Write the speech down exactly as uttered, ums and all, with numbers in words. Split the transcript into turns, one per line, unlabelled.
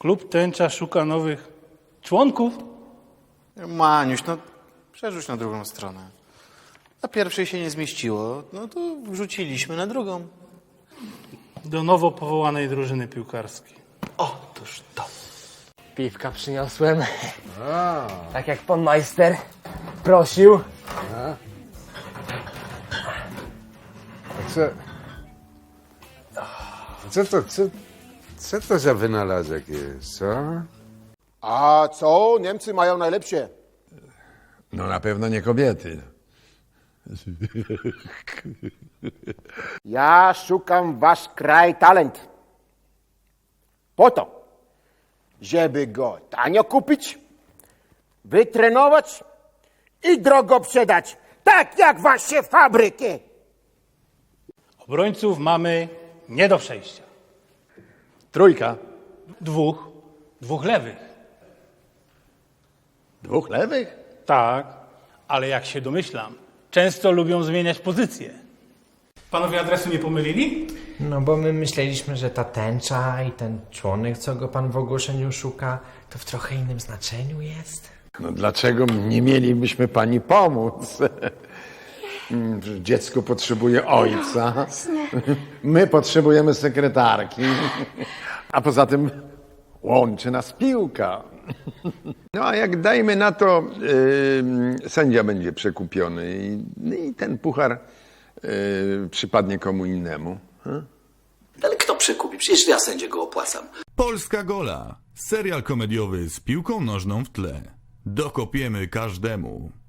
Klub Tęcza szuka nowych członków?
Maniuś, no przerzuć na drugą stronę. Na pierwszej się nie zmieściło, no to wrzuciliśmy na drugą.
Do nowo powołanej drużyny piłkarskiej.
Otóż to.
Piwka przyniosłem. Tak jak pan majster prosił.
Co, co to, co, co to za wynalazek jest, co?
A co? Niemcy mają najlepsze.
No na pewno nie kobiety.
Ja szukam wasz kraj talent. Po to, żeby go tanio kupić, wytrenować i drogo sprzedać. Tak jak wasze fabryki.
Obrońców mamy nie do przejścia.
Trójka.
Dwóch, dwóch lewych.
Dwóch lewych?
Tak, ale jak się domyślam, często lubią zmieniać pozycje. Panowie adresu nie pomylili?
No bo my myśleliśmy, że ta tęcza i ten członek, co go pan w ogłoszeniu szuka, to w trochę innym znaczeniu jest.
No dlaczego nie mielibyśmy pani pomóc? Dziecko potrzebuje ojca. My potrzebujemy sekretarki. A poza tym łączy nas piłka. No a jak dajmy na to, yy, sędzia będzie przekupiony i, i ten puchar yy, przypadnie komu innemu. Hmm?
Ale kto przekupi? Przecież ja sędzie go opłacam.
Polska Gola. Serial komediowy z piłką nożną w tle. Dokopiemy każdemu.